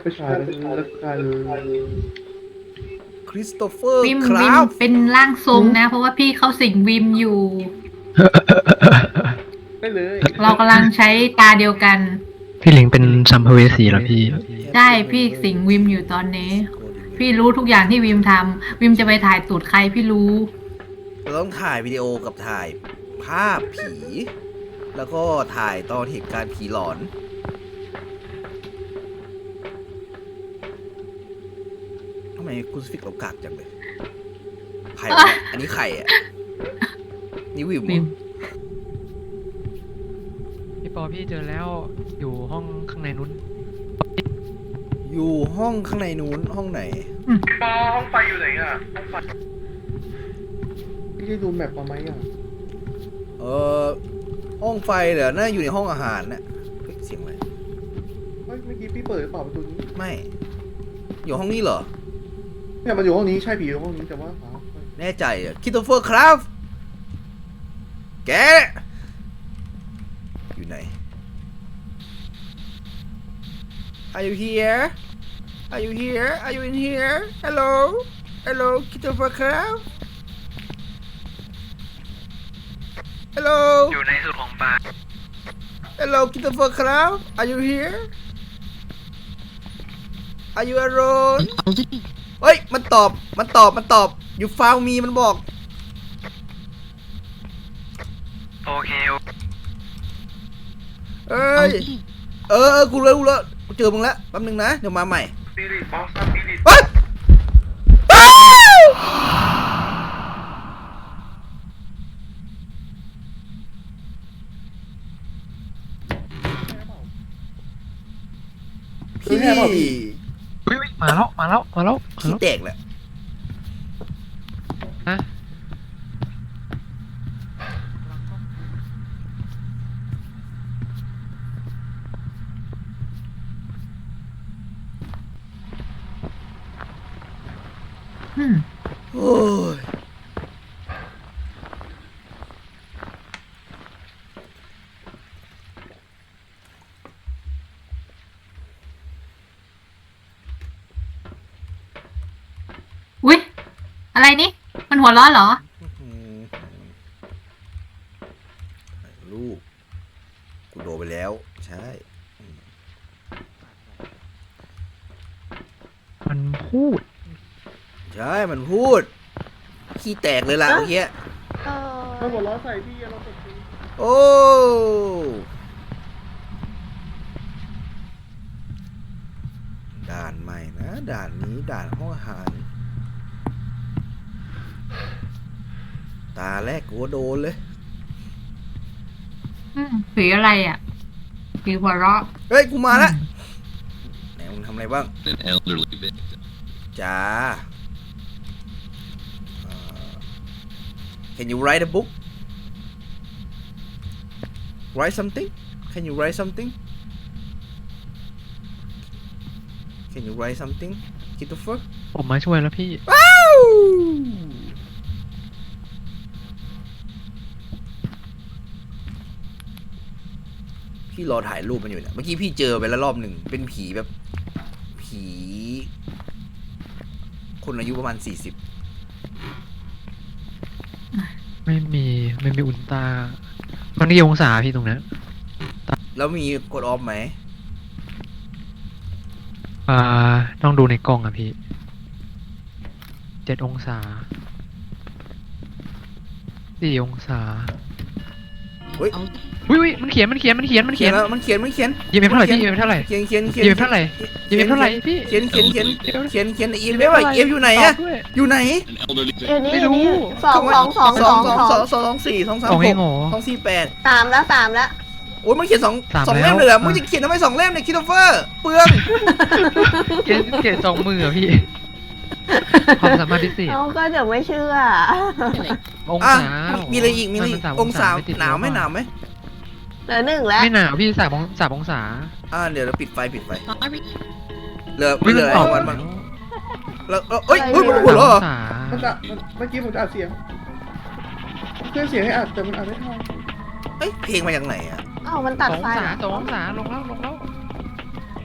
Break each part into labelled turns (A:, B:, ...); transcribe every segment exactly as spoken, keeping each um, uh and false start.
A: ไปฉายแล้วกัน
B: คริสโตเฟอร์
C: วิม
B: ค
C: วิ
B: รั
C: ม
B: บ
C: เป็นร่างทรงนะ เพราะว่าพี่เขาสิงวิมอยู่
A: ได้เลย
C: เรากำลังใช้ตาเดียวกัน
D: พี่หลิงเป็นสัมภเวสีเหรอพี่
C: ใช่พี่สิงวิมอยู่ตอนนี้ พี่รู้ทุกอย่างที่วิมทำวิมจะไปถ่ายตูดใครพี่รู้
B: เราต้องถ่ายวิดีโอกับถ่ายภาพผี แล้วก็ถ่ายตอนเหตุการณ์ผีหลอนทำไมคุณสฟิกเรากากจังเลยใครวะ อันนี้ใครอ่ะ นี่วิมเหร
C: วิ
B: อ
C: ม
D: พี่ปอพี่เจอแล้วอยู่ห้องข้างในนู้น
B: อยู่ห้องข้างในนู้นห้องไหน
A: ปอห้องไฟอยู่ไหนอ่ะห้องไฟพี่ได้ดูแมปมาไหมอ่ะ
B: เออห้องไฟเหรอน่าอยู่ในห้องอาหารน่ะเฮ้ยเสียงอะไร
A: เฮ้ยเมื่อกี้พี่เปิดหรือเปล่าประตูนี้
B: ไม่ อยู่ห้องนี้เหรอ
A: เนี่ยมันอยู่ห้องนี้ใช่ผีอยู่ห้องนี้แต่ว่าหา
B: แน่ใจเหรอคิโตเฟอร์ครับ แก อยู่ไหน Are you here Are you here Are you in here Hello Hello คิโตเฟอร์ครับ Hello
D: อยู่ในสุดของปลา
B: Hello คิโตเฟอร์ครับ Are you here Are you alone เฮ้ย มันตอบ มันตอบ มันตอบ อยู่ฟาวมีมันบอก
D: โอเค
B: เอ้ย เออเออกูรู้แล้วกูรู้แล้วกูเจอมึงแล้วแป๊บนึงนะ เดี๋ยวมาใหม่
A: ปีริตบอสปีริต
B: เฮ้ยอ้าวพี่
D: วิวมาแล้วมาแล้วมาแล้วมา
B: ขี้
D: แล้ว
B: แตกแหละ
D: ฮะ
C: อืม
B: โอ้ย
C: อุ๊ย อะไรนี่ มันหัวเร้อนเหรอ
B: อืมลูก กูโดนไปแล้ว ใช่
D: มันพูด
B: ใช่ มันพูด ขี้แตกเลยล่ะเมื่อกี้
A: มันหัวเร้อนใส่พี่เราตกใจ
B: โอ้ ด่านใหม่นะ ด่านนี้ด่านห้องอาหาร ตาแรกกูก็โดนเลย
C: อืมผีอะไรอ่ะผีหัวเราะ
B: เฮ้ย กูมาแล้วไหนมึงทำอะไรบ้าง
E: An elderly victim.
B: จ้าเอ่อ Can you write a book write something Can you write something Can you write something Christopher
D: ผมมาช่วยแล้วพี่
B: ว้าว พี่รอถ่ายรูปมันอยู่เนี่ยเมื่อกี้พี่เจอไปแล้วรอบหนึ่งเป็นผีแบบ ผี คนอายุประมาณสี่สิบ
D: ไม่มีไม่มีอุลตรามันกี่องศาพี่ตรงนั้น
B: แล้วมีกดออฟไหม
D: อ่าต้องดูในกล้องอะพี่เจ็ดองศาสี่องศา
B: เฮ้ย
D: วิวมันเขียนมันเขียนมันเขียนมัน
B: เขี
D: เขี
B: ย
D: ย
B: น
D: น
B: แล้วมันเขียนมันเขียน
D: ยีเอ็มเท่าไหร่พี่ยีเอ็มเท่าไหร่
B: เขียนเขียนเขียน
D: ยีเอ็มเท่าไหร่ยีเอ็มเท่าไหร่พี่
B: เขียนเขียนเขียน
D: เดี๋ยว
B: เขียนเขียนอีเมลว่าเอฟอยู่ไหนอะ
D: ตบด้วย
B: อยู่ไหน
E: An elderly
F: เดี๋ยว
E: victim.
F: นี้
D: ไม่รู้
F: สองสองสอง
B: ส
F: ส
B: อ
F: อง ง
B: สอง
F: ส
B: ส
F: อ
B: อง งสองสองสี่สองสาม
D: สอง
B: ห
D: เอก งเหรอ
B: สองสี่แปด
F: สามแล้วสามแล้ว
B: โอ้ยมันเขียนสอง
D: สาม
B: สอง
D: แล้ว
B: เล่มเลยเหรอ
D: อ่ะ
B: มึงจะเขียนทำไมสองเล่มเนี่ยคิโตเฟอร์เปลือง
D: เขียนเขียนสองมืออะพี่ความสามารถพิเศษ
F: เอาก็เดี๋ยวไม่เชื่อ
D: อง
B: อ่ะ
D: ศา
B: มีอะไรอีกมีอะไรอีก
D: มันสาม
B: องศา
D: ไม่ติด
B: หนาวไหม
D: ลบอะ
B: หนาวไหม
F: เหลือหนึ่งแล้ว
D: ไม่หนาวพี่สามองสามองศา
B: อ่าเดี๋ยวเราปิดไฟปิดไฟเหลือ
D: ไม่
B: เหลือ
D: ตอบ
B: วันมันแล้วเอ้ยเอ้ยเฮ้ยมันหัวเราะเหรอ
D: สาม
A: มัน
D: อง
A: จะ
D: ศา
A: มันเมื่อกี้ผมจะอัดเสียงเครื่องเสียงให้อัดแต่มันอัดไม่ทัน
B: เอ้ยเพลงมาจากไหนอะ
F: อ้าวมันตัด
D: สอง
F: ไฟ
D: องศา
F: เหรอ
D: สององศาลงแล้วลงแล้ว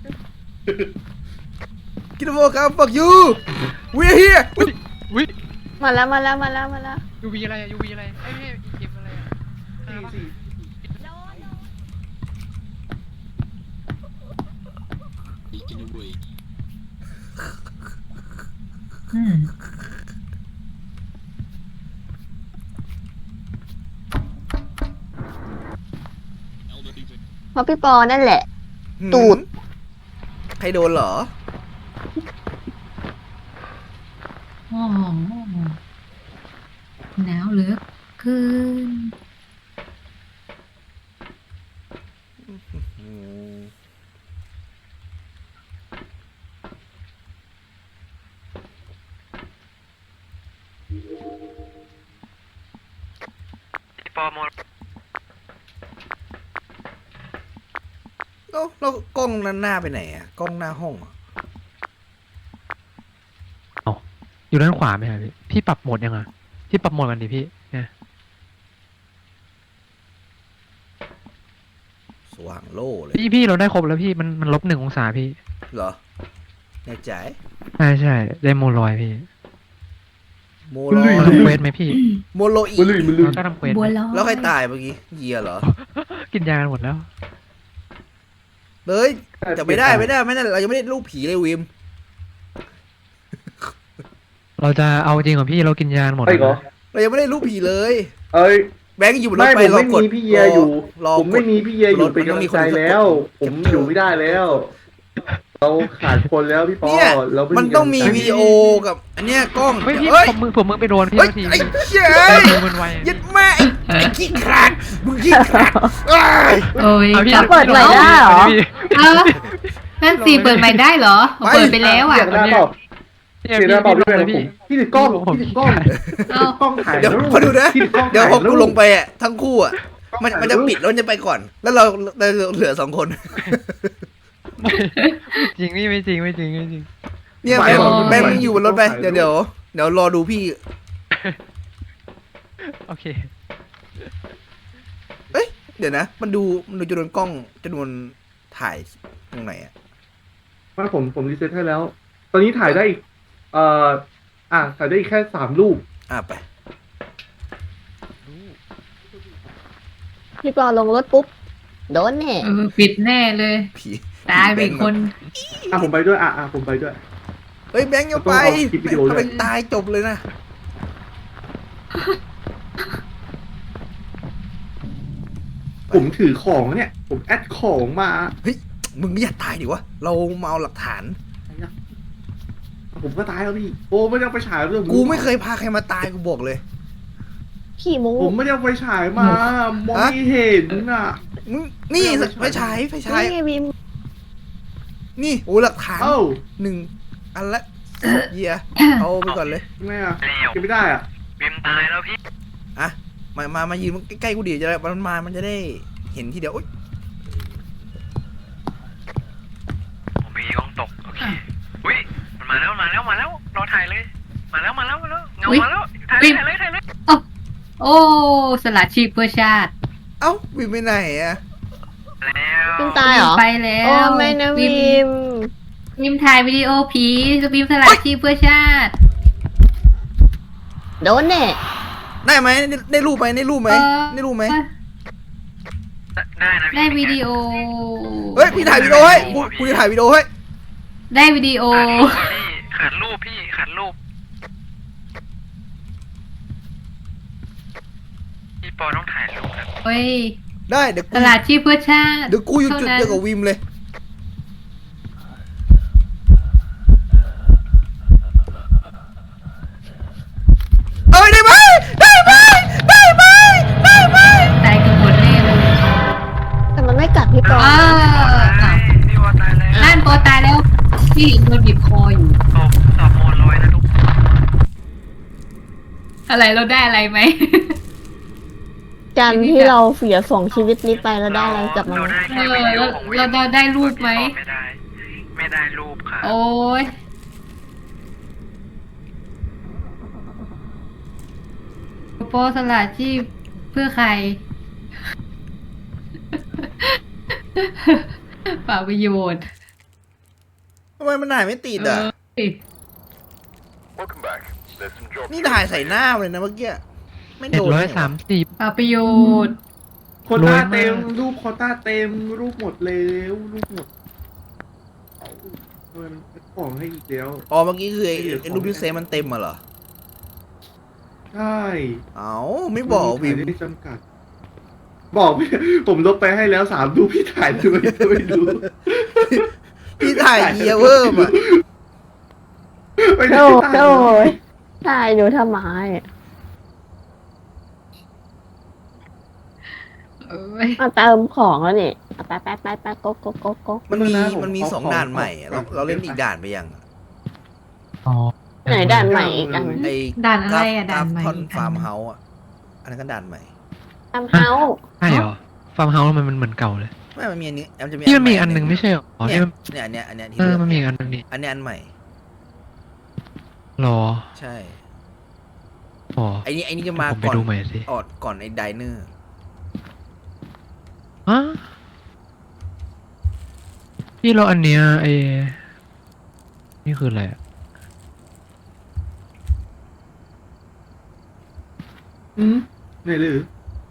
B: กินโมครับ fuck you we're here
D: วิ
F: มาแล้วมาแล้วมาแล้วมาแล้ว
D: ยูวีอะไรอะยูวีอะไรไอ้ยไม่ใช่อีเกมอะไรอะ
A: สี่สี่
C: อืม
F: เพราะพี่ปอนั่นแหละ ตูด
B: ใครโดนเหรอ
C: โอ้โหหนาวเหลือเกิน
B: อืม
D: พี่ปอโม
B: แล้วแล้วกล้องนั้นหน้าไปไหนอะกล้องหน้าห้องอะ
D: อยู่ด้านขวาไหมครับพี่พี่ปรับโหมดยังไงพี่ปรับโหมดกันดิพี่เนี่ย
B: สว่างโล่เลย
D: พี่พี่เราได้ครบแล้วพี่มันมันลบหนึ่งองศาพี่
B: เหรอแน่ใจ
D: ใช่ใช่ได้โมลอยพี่
B: โมโล
D: ทำเควสไหมพี่
B: โมโลอี
A: มันลื่นมันลื่
D: เรา
A: น
D: ก็ทำเควส
C: บัว
D: ไหม
C: ลอย
B: แล้วใครตายเมื่อกี้เยียเหรอ
D: กินยากันหมดแล้ว
B: เลยจะไม่ได้ไม่ได้ไม่ได้เรายังไม่ได้รูปผีเลยวิม
D: เราจะเอาจริงเหรอพี่เรากินยากันหมด
A: ไอ้
D: แล้ว
A: เหรอ
D: นะ
B: เรายังไม่ได้รูปผีเลย
A: เอ้ย
B: ไปแบงค์อยู่บนรถ
A: ไม่
B: ไป
A: ผม
B: รอ
A: ไม่
B: กด
A: มีพี่เยียอยู่
B: รอ
A: ผมไม่มีพี่เยียอยู่
B: รถ
A: เป็น
B: มันต้อง
A: กำลั
B: มี
A: ง
B: คน
A: ใจ
B: กด
A: แล้ว ผมอยู่ไม่ได้แล้ว เราขาดคนแล้วพี่ปอ
B: เนี่ย
A: เราไม่
B: มันต้องมี
A: กำลัใจ
B: วิดีโอกับอันเนี้ยกล้อง
D: เฮ้ยพี่
B: เฮ้ย
D: ผมมือผมมือไปโดนพี่
B: เฮ้ย
D: นาที
B: ไอ้เจ้ย
D: มือมันไวอะ
B: ยัดแม่ไอ้ไอ้ขี้ขลาดมึงขี้ขลาดเอ้ย
C: โอ้ย
D: เอาพี่
C: จับ
F: เปิดใหม่ได้เหรอ
D: พี่
C: เออนั่นสิเปิดใหม่ได้เหรอ
B: ไป
C: เปิดไปแล้วอ่ะ
A: เสียงหน้าเปล่า
D: เนี่ย
A: เสียงห
D: พี่
A: น้าเปล่า
D: พี่
A: พี่
D: ล
A: แบ
D: ง
A: ง
D: เลย
A: ค์ผ
D: พี่
A: มพี่ถือกล้อง
D: ผม
A: พี่ถือกล้อง
C: เอ้า
A: ถือกล้องถ่าย
B: เดี๋ยว
A: รูป
B: พอดูนะ
A: พี่ถือกล้อง
B: เดี๋ยว
A: ถ่า
B: พอกู
A: รูป
B: ลงไปอ่ะทั้งคู่อ่ะมันมันจะปิดแล้วมันจะไปก่อน แล้วเราเราเหลือสองคน
D: จริงพี่ไม่จริงไม่จริงไม่จริง
B: เนี่ย
A: ไม่
B: แบงค์
A: หรอก
B: แบงค์
A: ไม่
B: มึงอยู่บนรถไป
A: ไม่
B: เดี๋ยวเดี๋ยวเดี๋ยวรอดูพี่
D: โอเค
B: เอ้ยเดี๋ยวนะ มันดูมันดูจำนวนกล้องจำนวนถ่ายตรงไหนอ่ะ
A: ไม่ผมผมรีเซ็ตให้แล้ว ตอนนี้ถ่ายได้อีกเอ่ออ่ะถ่ายได้อีกแค่สามรูป
B: อ่ะไป
F: พี่ปอลงรถปุ๊บ โดนแน่
C: เออปิดแน่เลย
B: ผี
C: ตายไปอีกคน
A: อ่ะผมไปด้วยอ่ะอ่ะผมไปด้วย
B: เฮ้ยแบงค์อย่าไป
A: ต้องเอาคลิปวิดีโอด้วย
B: ถ้าเป็นตายจบเลยนะ
A: ผมถือของเนี่ย ผมแอดของมา
B: เฮ้ยมึงอย่าตายดิวะเรามาเอาหลักฐาน
A: ผมก็ตายแล้วพี่ โอ้ไม่ได้เอาไปฉายเรื่อง
B: กูไม่เคยพาใครมาตายกูบอกเลย
F: ขี่มู
A: ผมไม่ได้เอาไปฉายมา มองไม่เห็นอ่ะ
B: มึงนี่
A: ไม่
B: ไฟ
A: เอาไป
B: ฉา
A: ฉาย ย
B: ไฟฉาย
F: นี่ไงวิม
B: นี่โอ้หลักฐาน
A: เอ้า
B: หนึ่งอันละเยียเอาไปก่อนเลย
A: ทำไมอ่ะเก็บไม่ได้อ่ะ
E: วิมตายแล้วพี่
B: อ่ะมามามายืนใกล้ๆกูดิจะได้มันมามันจะได้เห็นทีเดียวอุ๊ย
E: ผมมีกล้องตก โอเค อุ้ย มันมาแล้ว มาแล้ว มาแล้ว รอถ่ายเลย มาแล้ว มาแล้ว มาแล้ว เงา
C: อุ๊ย
E: มาแล้ว ถ่ายเลยถ่ายเลยถ่ายเลย
C: โอ้สละชีพเพื่อชาติ
B: เอ้าวินไปไหนอะ
E: แล้ว
F: วิมตายเหรอ
C: ไปแล้ว
F: โอ้ไม่นะวิม
C: วิมถ่ายวิดีโอผีวิมสละชีพเพื่อชาติ
F: โดนแน่
B: ได้ไหมได้ได้รูปไหมได้รูปไหม
C: เออ
B: ได้รูปไหม
E: ได้นะพี่
C: ได้วิดีโอ
B: เฮ้ยพี่ถ่ายวิดีโอให้กูกูจะถ่ายวิดีโอให้
C: ได้วิดีโอ
E: ขาดรูปพี่ขาดรูปพี่ พี่ปอต้องถ่ายรูปครับ
C: เฮ้ย
B: ได้เดี๋ยว
C: ส
B: กู
C: ละชีพเพื่อชาติ
B: เดี๋ยวกูอยู่จุดเดียวกับวิมเลยเอ้ยได้ไหมได้ไหมได้ไหมได้ไหม
C: ตายกันหมดแน่เลย
F: แต่มันไม่กัดพี่ปอ
C: อ้าว
E: ตายพี่วอตายแล้ว
C: นั่นโปตายแล้วพี่โดนบีบคออยู่
E: ตบสอบโมนลอยนะทุก
C: อะไรเราได้อะไรไหม
F: การที่เราเสียสองชีวิตนี้ไปแล้วได้อะไรกลับมา
E: เรา
F: ไหม
E: ได้แค่วิดีโอของวิม
C: เราเราได้รูปไหม
E: ไม่ได้ ไม่ได้รูปค่ะ
C: โอ้ยโปสละชีพเพื่อใคร เปล่าประโยชน์
B: ทำไมมันถ่ายไม่ติดอ่ะ
C: เอ้ย
B: นี่ถ่ายใส่หน้าเลยนะเมื่อกี้ไม่
D: เจ็ด
B: โดน
D: ร้อย
B: เนี่
D: สามสิบ
C: เปล่าประโยชน์
A: โควต้าร
D: วยมาก
A: เต็มรูปโควต้าเต็มรูปหมดแล้วรูปหมดทำไมมันแอดของให้อีกแล้ว
B: อ๋อเมื่อกี้คือไอ้ไอ้รูปที่เซฟมันเต็มมาเหรอ
A: ใช่
B: เอ้าไม่บอกวิม
A: ถ่ายได้จำกัด บอกพี่ผมลบไปให้แล้วสามรูปพี่ถ่ายด้วยไม่รู้
B: พี่ถ่ายเยียเวอร์อ่ะ
A: ไม่ได้
F: โอ้
A: ถ่าย
F: โหตายหนูทำไม
C: เอ้ย
F: มาเติมของแล้วนี่เอาไปไปไปไปโกโกโกโก
B: มันมีมันมีสองด่านใหม่อะเราเราเล่นอีกด่านไปยังอะ
D: อ๋อ
F: ไหนด่านใหม่อีกอัน
B: ไอ้
C: ด่านอะไรอะด่านใหม่
B: ทอน
C: อีกอัน
B: ฟาร์มเฮาส์อ่ะอันนั้นก็ด่านใหม่
F: ทำเฮา
D: ใช่เหรอฟาร์มเฮาส์มันมันเหมือนเก่าเลย
B: ไม่มันมีอันนี้มันจะมี
D: ที่มันมี
B: ให
D: อันหนึ่งไม่ใช่เหรออ๋อ
B: เนี่
D: ที่
B: ย
D: มัน
B: เนี่ยอันเนี้ยอันเนี้ยที่
D: เออ
B: เลือก
D: มันมีอันหนึงนี่
B: อันเนี้ยอันใหม่
D: หรอ
B: ใช่
D: อ๋อ
B: ไอ้นี่ไอ้นี่จะมา
D: ผมไป
B: ก่อน
D: ดูใหม่สิ
B: ออดก่อนไอ้ไดเนอร์
D: ฮะพี่เราอันเนี้ยไอ้นี่คืออะไรอะ
A: อืมไหนหรือ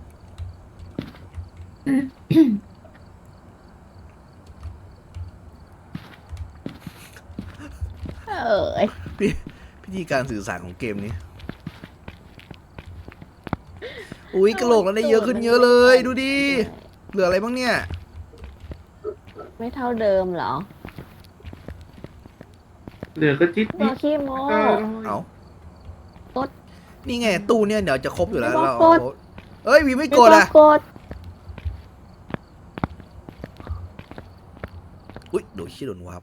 F: เออ
B: พิพิธีการสื่อสารของเกมนี้อุ้ยกระโหลกแล้วได้เยอะขึ้นเยอะเลย ดูดิ เหลืออะไรบ้างเนี่ย
F: ไม่เท่าเดิมเหรอ
A: เหลือก็จิ๊ด
F: ตั
A: นิ
F: ว
A: ด
F: ขี้โม
A: ก็
B: เอา
F: กด
B: นี่ไงตู้เนี่ยเดี๋ยวจะครบอยู่แล้ว
F: ไม่
B: เรา
F: บอกกด
B: เอ้ยวีไม่
F: ไม่
B: กดอ่ะ
F: กด
B: อุ้ยโดนชี้โดนวับ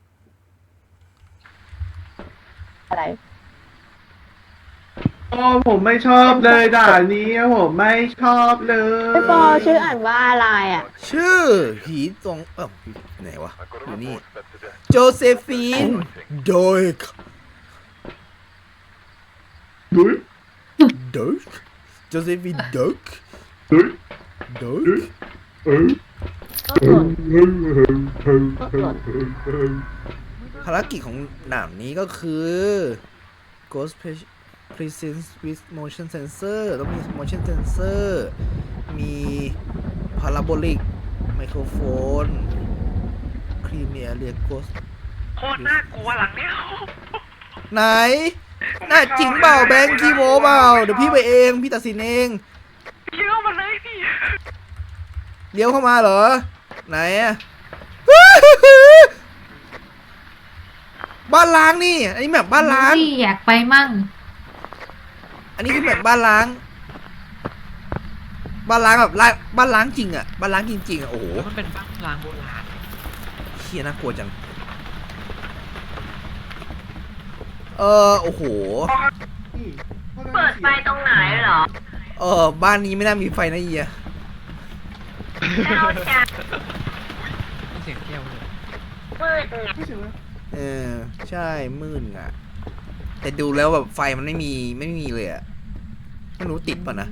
F: อะไร
A: อ๋อผมไม่ชอบเลยด่านนี้ผมไม่ชอบเลย
F: พี่ปอชื่ออ่านว่าอะไรอ่ะ
B: ชื่อผีตรงเอ้าไหนวะ อยู่นี่ โจเซฟีน โดย
A: ดุย
B: โดยโจเซฟีนโดย
A: ดุย
B: โดย
A: ดุยเออ
F: ก็
A: เอก อ
F: ด
A: เออเออเออเออเออเออ
B: ภารกิจของหนามนี้ก็คือ Ghost Presence with Motion Sensor ต้องมี Motion Sensor มี Parabolic Microphone Creamier Area Ghost
E: โคตรน่ากลัวหลังเนี้ย
B: ไหน น่าจริงเปล่าแบงค์คีโมเปล่า เดี๋ยวพี่ไปเอง พี่ตัดสินเอง
E: เลี้ยวมาเลยพี่
B: เลี้ยวเข้ามาเหรอ ไหนอะบ้านล้างนี่ อันนี้แบบบ้านล้าง
C: พี่อยากไปมั่ง
B: อันนี้คือแบบบ้านล้าง บ้านล้างแบบล้างบ้านล้างจริงอะบ้านล้างจริงๆอะโอ้โห
D: แล้วมันเป็นบ้านล้างโบราณ
B: เฮียน่ากลัวจัง เออโอ้โห
A: นี่
F: เปิดไฟตรงไหนเหรอ
B: เออบ้านนี้ไม่น่ามีไฟนะเฮีย
F: เราจะ
D: มีเสียงแก้วเลย
F: มืดไง
A: ไม่ใช่ไหม
B: เออใช่มืดอะแต่ดูแล้วแบบไฟมันไม่มีไม่มีเลยอะไม่รู้ติดป่ะนะ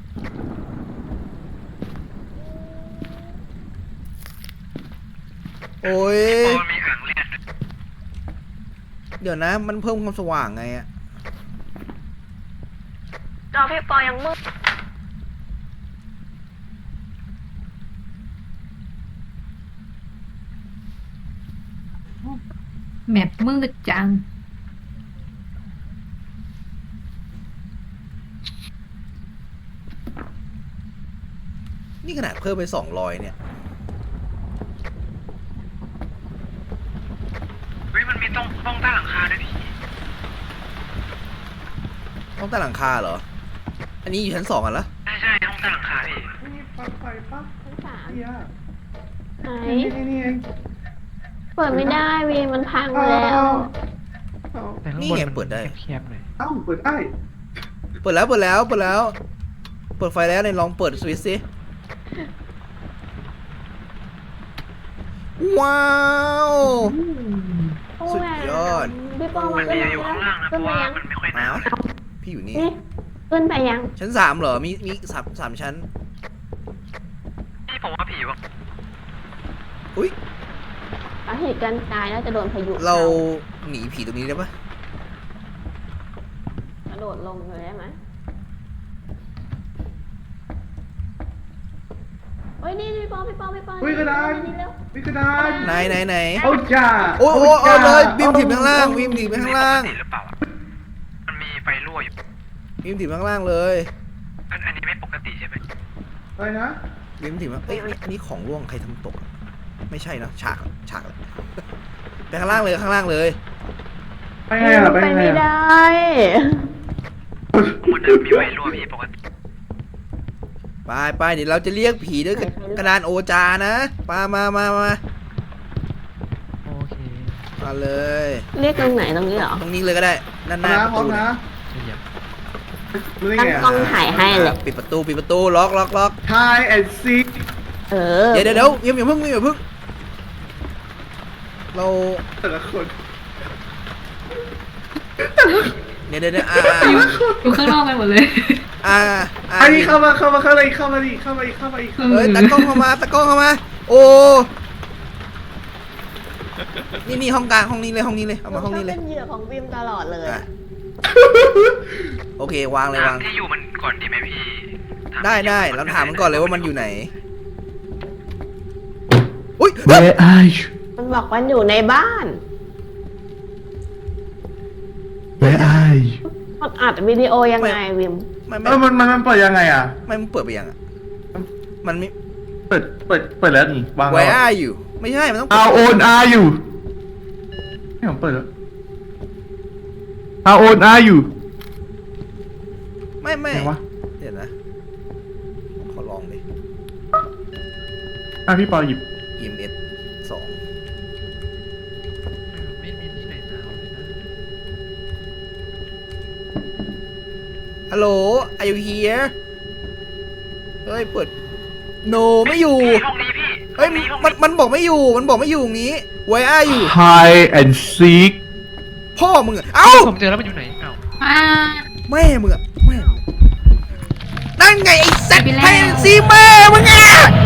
B: โอ้ย
E: โอ้มีอ่างเลือด
B: เดี๋ยวนะ มันเพิ่มความสว่างไงอะ
F: จอพี่ปอยังมืด
C: แมปมืดจัง
B: นี่ขนาดเพิ่มไปสองร้อยเนี่ย
E: เฮ้ยมันมีต้องต้องใต้หลังคาด้วยพี่
B: ห้องใต้หลังคาเหรอ อันนี้อยู่ชั้นสองกันแล้ว
E: ใช่ใช่ห้องใต้หลังคาพี่
A: นี่ปลั๊กไฟปั๊บ
F: ชั้นสาม
A: เฮีย
F: ไหน
A: นี่นี่นี่เอง
F: เปิดไม่ได้วีมันพังแล้ว
A: เอา
D: แต่ข้าง
B: นี่
D: บน
B: ไง
D: มัน
B: เปิดได้
D: แคบๆหน่อย
A: เอ้าเปิดได้
B: เปิดแล้วเปิดแล้วเปิดแล้ว เปิดไฟแล้วในลองเปิดสวิตช์สิ ว้าว สุดยอด
F: พี่ปอ
E: มั
F: มาน ขึ้น
E: จะ
F: ไป
E: อยู่
F: ยั
E: ข้างล่างนะเพ
F: ขึ้น
E: ราะ
F: ไป
E: ว่า
F: ยัง
E: มันไม่ค่อยหนาว
B: พี่อยู่นี่
F: นี่ขึ้นไปยัง
B: ชั้นสามเหรอ มีมีสามสามชั้น
E: พี่ผมว่าผีวะ
B: อุ้ย
F: เอาเหตุการณ์ตายแล้วจะโดนพายุ
B: เราหนีผีตรงนี้ได้ปะ
F: กระโดดลงเลยได้ไหมเฮ้ยนี่พี่ปอพี่ปอพี่ปอ
A: อุ้ยกระดาน
F: นี่เร็ว
A: วิกระดาน
B: ไหนไหนไหน
A: เอาจ้า
B: โอ้ยโอ้ยเอาเลยบิมถีบข้างล่างบิมถีบไปข้างล่าง
E: ปกติหรือเปล่าอะมันมีไฟรั่วอยู่
B: บิมถีบข้างล่างเลย
E: อันอันนี้ไม่ปกติใช่ไหม
A: อะไรนะ
B: บิมถีบมาเอ้ยนี่อันนี้ของร่วงใครทำตกอะไม่ใช่นะฉากฉากเลยไปข้างล่างเลยข้างล่างเลย
A: ไปไงอ่ะไป
F: ไป
A: ไง
F: ไม่
A: อ่ะ
F: ได้
E: มันจะมีไฟรั่วพี่ปกติ
B: ไปไปเดี๋ยวเราจะเรียกผีด้วยกระดานโอจานะมามามามา
D: โอเค
B: มาเลย
F: เรียกตรงไหนตรงนี้เหรอ
B: ตรงนี้เลยก็ได้ด้านห
A: พร้อ
B: น้าม ประ
A: นะพร้อ
B: ตู
A: มนะ
D: ขยับ
A: รู้ได้
F: ตั้ง
A: ไง
F: กล้
A: อ่ะ
F: องถ่ายให้เลย
B: ปิดประตูปิดประตูล็อกล็อกล็อก
A: ทายแอนซี
F: เออ
B: เดี๋ยวเดี๋ยวเดี๋ยวอย่าอย่าเพิ่งอย่าเพิ่งเรา
A: แต่ละคน
B: เดี๋ยวเดี๋ยวเดี๋ยวอ่า
C: อยู่อยู่ข้างนอกไปหมดเลย
B: อ่าอ่า
A: อันนี้เข้ามาเข้ามาเข้ามาอีกเข้ามาอีกเข้ามาอีกเข้ามาอีก
B: เฮ้ยตากล้องเข้ามาตากล้องเข้ามา โอ้นี่นี่ห้องกลางห้องนี้เลยห้องนี้เลยเอามาห้องนี้เลย
F: เป็นเหยื่อของวิมตลอดเลย
B: อ่ะโอเควางเลยวาง
E: ถามที่อยู่มันก่อนดีไหมพี่ถาม
B: ได้
E: ที่อยู่
B: ได้เราถามมันก่อนเลยว่ามันอยู่ไหนอุ้ย
A: Where are you
F: มันบอกว่าอยู่ในบ้าน
A: Where are you
F: มันอัดวิดีโอยังไงวิม
B: ไม่ไม่
A: เอ
B: ไม่
A: อมันมันมันเปิดยังไงอ่ะ
B: ไม่มึงเปิดไปยังอ่ะมันมี
A: เปิดเปิดเปิดแล้วนี่วาง
B: Where
A: แล้ว
B: are you ไม่ใช่มันต้อง
A: How old are you นี่ผมเปิดแล้ว How old are you
B: ไม่ไม่
A: ไหนวะ
B: เดี๋ยวนะขอลองดิ
A: อ่ะพี่ปอหยิบ
B: อี เอ็ม เอส สอง
D: ไม่มีที่ไหนหนาวเลยนะ
B: ฮัลโหล are you here เฮ้ยเปิด no ไม่อยู่
E: พี่ห้องนี้พี่
B: เฮ้ย
E: ห้องนี้ห้อง
B: มัน
E: นี้
B: มันบอกไม่อยู่ มันบอกไม่อยู่ตรงนี้ Where are you
A: Hide and seek
B: พ่อมึงอะเอ้า
D: ผมเจอแล้วมันอยู่ไหนเอ้า
C: อ่า
B: แม่มึงอะแม่มึงนั่นไงไอ้สัตว์
C: ไปแล้ว
B: ไพซีแม่มึงอะ